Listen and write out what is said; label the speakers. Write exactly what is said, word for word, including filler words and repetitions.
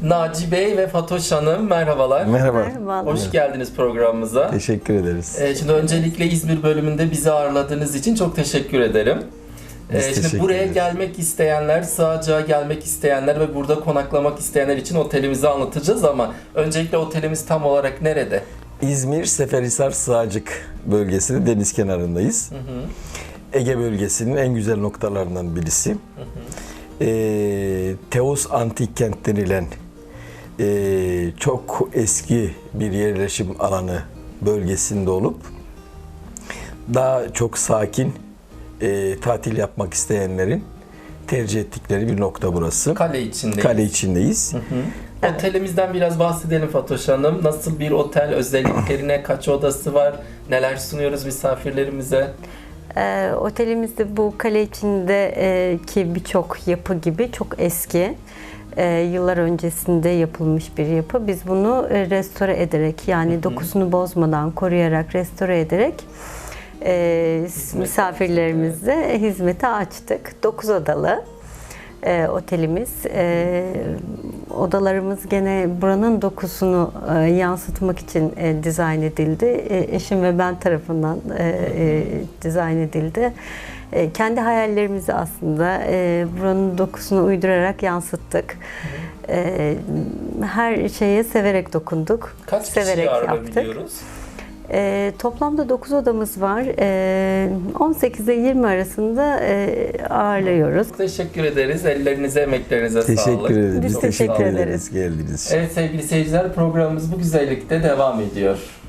Speaker 1: Naci Bey ve Fatoş Hanım merhabalar.
Speaker 2: Merhaba.
Speaker 3: Merhabalar.
Speaker 1: Hoş geldiniz programımıza.
Speaker 2: Teşekkür ederiz.
Speaker 1: Ee, şimdi öncelikle İzmir bölümünde bizi ağırladığınız için çok teşekkür ederim. Ee,
Speaker 2: Biz
Speaker 1: şimdi
Speaker 2: teşekkür
Speaker 1: buraya
Speaker 2: ederiz.
Speaker 1: gelmek isteyenler, Sığacak'a gelmek isteyenler ve burada konaklamak isteyenler için otelimizi anlatacağız ama öncelikle otelimiz tam olarak nerede?
Speaker 2: İzmir Seferihisar Sığacık bölgesinde deniz kenarındayız.
Speaker 1: Hı hı.
Speaker 2: Ege bölgesinin en güzel noktalarından birisi.
Speaker 1: Hı hı.
Speaker 2: Ee, Teos Antik Kent denilen e, çok eski bir yerleşim alanı bölgesinde olup daha çok sakin e, tatil yapmak isteyenlerin tercih ettikleri bir nokta burası.
Speaker 1: Kale içindeyiz.
Speaker 2: Kale içindeyiz.
Speaker 1: Hı hı. Otelimizden biraz bahsedelim Fatoş Hanım. Nasıl bir otel, özelliklerine, kaç odası var, neler sunuyoruz misafirlerimize?
Speaker 3: Ee, otelimizde bu kale içindeki birçok yapı gibi çok eski. Ee, yıllar öncesinde yapılmış bir yapı. Biz bunu e, restore ederek yani
Speaker 1: Hı hı.
Speaker 3: dokusunu bozmadan koruyarak restore ederek e, misafirlerimize hizmete açtık. dokuz odalı e, otelimiz. E, odalarımız gene buranın dokusunu e, yansıtmak için e, dizayn edildi. E, eşim ve ben tarafından e, e, dizayn edildi. E, kendi hayallerimizi aslında e, buranın dokusunu uydurarak yansıttık. E, her şeye severek dokunduk.
Speaker 1: Kaç
Speaker 3: severek
Speaker 1: kişiyi
Speaker 3: yaptık.
Speaker 1: ağırlayabiliyoruz?
Speaker 3: E, toplamda dokuz odamız var. E, on sekiz ile yirmi arasında e, ağırlıyoruz.
Speaker 1: Teşekkür ederiz. Ellerinize, emeklerinize sağlık.
Speaker 2: Teşekkür ederiz.
Speaker 3: Biz
Speaker 2: Çok
Speaker 3: teşekkür
Speaker 2: teşekkür
Speaker 3: ederiz.
Speaker 2: ederiz geldiğiniz için.
Speaker 1: Evet sevgili seyirciler, programımız bu güzellikte devam ediyor.